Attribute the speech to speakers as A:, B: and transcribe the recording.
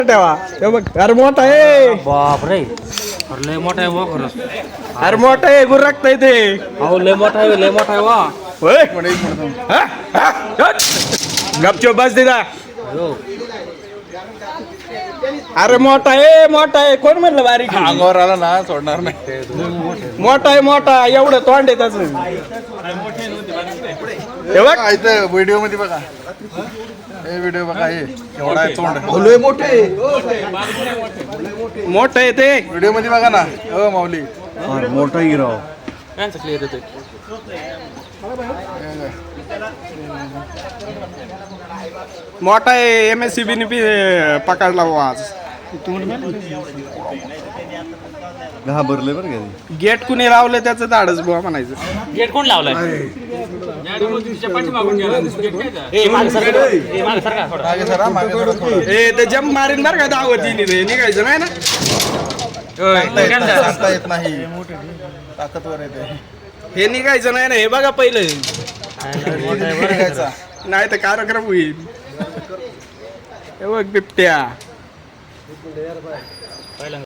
A: ठेवा हे बघ अरे मोठा आहे
B: बाप रे अरे लय मोठा आहे वा खरंच
A: अरे मोठा आहे गुरकता ते
B: अहो लय मोठा आहे वा
A: होय हा? हा? हट. गपचूप बस दिदा
B: हो
A: अरे मोठा आहे कोण म्हणलं बारीक आहे?
C: अंगावर आला ना सोडणार नाही.
A: मोठा एवढं तोंड आहे त्याच हे बघ
C: इथं व्हिडिओ मध्ये बघा हे व्हिडिओ बघा हे एवढा आहे तोंड
A: मोठं आहे ते
C: व्हिडिओ मध्ये बघा ना हो माऊली
D: मोठा हिरो
B: त्यांचं क्लिअर येतोय
A: मोठा आहे MSCB ने पकडला बुवा आज
D: घाबरले बरं का
A: गेट कुणी लावलं त्याचं धाडच बुवा म्हणायचं
B: गेट कोण लावलाय मागे सरका थोडं
C: मागे सरा मागे सरा थोडं.
A: ए ते जम्प मारीन बरं का दावतीने रे निघायचं नाही ना
C: सांगता येत नाही ताकदवर येते
A: हे निघायचं नाही ना हे बघा पहिलं
C: निघायचा.
A: नाही तर कार्यक्रम होईल हे बघ बिबट्या